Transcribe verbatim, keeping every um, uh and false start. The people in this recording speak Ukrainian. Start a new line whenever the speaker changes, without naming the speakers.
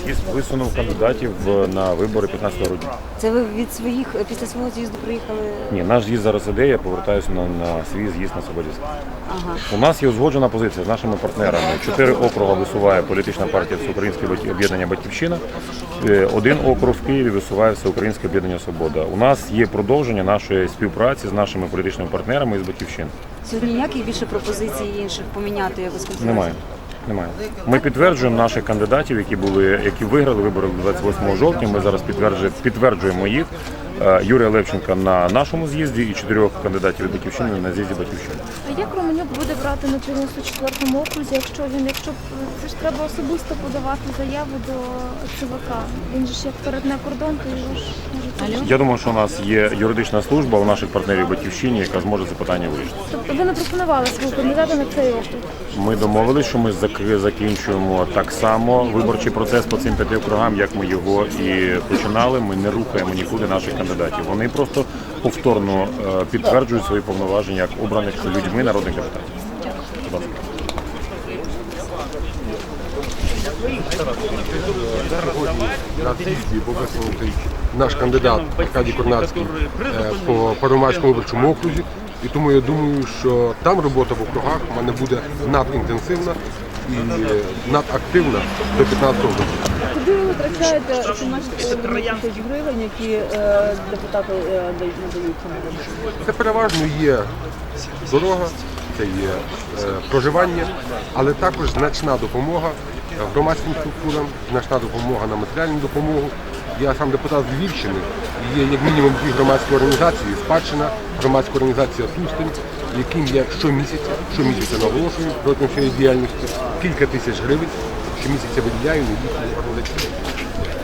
з'їзд висунув кандидатів на вибори п'ятнадцятого грудня.
Це ви від своїх, після свого з'їзду приїхали?
Ні, наш з'їзд зараз іде, я повертаюся на, на свій з'їзд на Свободівський.
Ага.
У нас є узгоджена позиція з нашими партнерами. Чотири округи висуває політична партія Всеукраїнське об'єднання «Батьківщина». Один округ в Києві висуває Всеукраїнське об'єднання «Свобода». У нас є продовження нашої співпраці з нашими політичними партнерами із «Батьківщини».
Сьогодні ніяких більше пропозицій інших поміняти якось конференцію?
Немає. Немає. Ми підтверджуємо наших кандидатів, які були, які виграли вибори двадцять восьмого жовтня. Ми зараз підтверджуємо, підтверджуємо їх. Юрія Левченка на нашому з'їзді і чотирьох кандидатів від «Батьківщини» на з'їзді «Батьківщини».
А як Романюк буде брати на дев'яносто четвертому окрузі, якщо він, якщо це ж треба особисто подавати заяву до ЦВК? Він же ж як перетне кордон, то його ж може.
Я думаю, що у нас є юридична служба у наших партнерів «Батьківщині», яка зможе це питання вирішити.
Тобто ви не пропонували свого кандидата на цей округ?
Ми домовилися, що ми закінчуємо так само виборчий процес по цим п'яти округам, як ми його і починали. Ми не рухаємо нікуди наших кандидатів. Вони просто повторно підтверджують свої повноваження як обраних людьми народних депутатів. Будь ласка.
Сьогодні на з'їзді був висунутий наш кандидат Аркадій Корнацький по Первомайському виборчому окрузі. І тому я думаю, що там робота в округах в мене буде надінтенсивна і надактивна до п'ятнадцятого року.
Куди ви витрачаєте майже тисяч гривень, які е, депутати е, дають надаються на вибори?
Це переважно є дорога, це є е, проживання, але також значна допомога громадським структурам, значна допомога на матеріальну допомогу. Я сам депутат з Львівщини, є як мінімум дві громадські організації, «Спадщина», громадська організація «Тустень», яким я щомісяця, щомісяця наголошую протягом своєї діяльності, кілька тисяч гривень щомісяця виділяю на їхню організацію.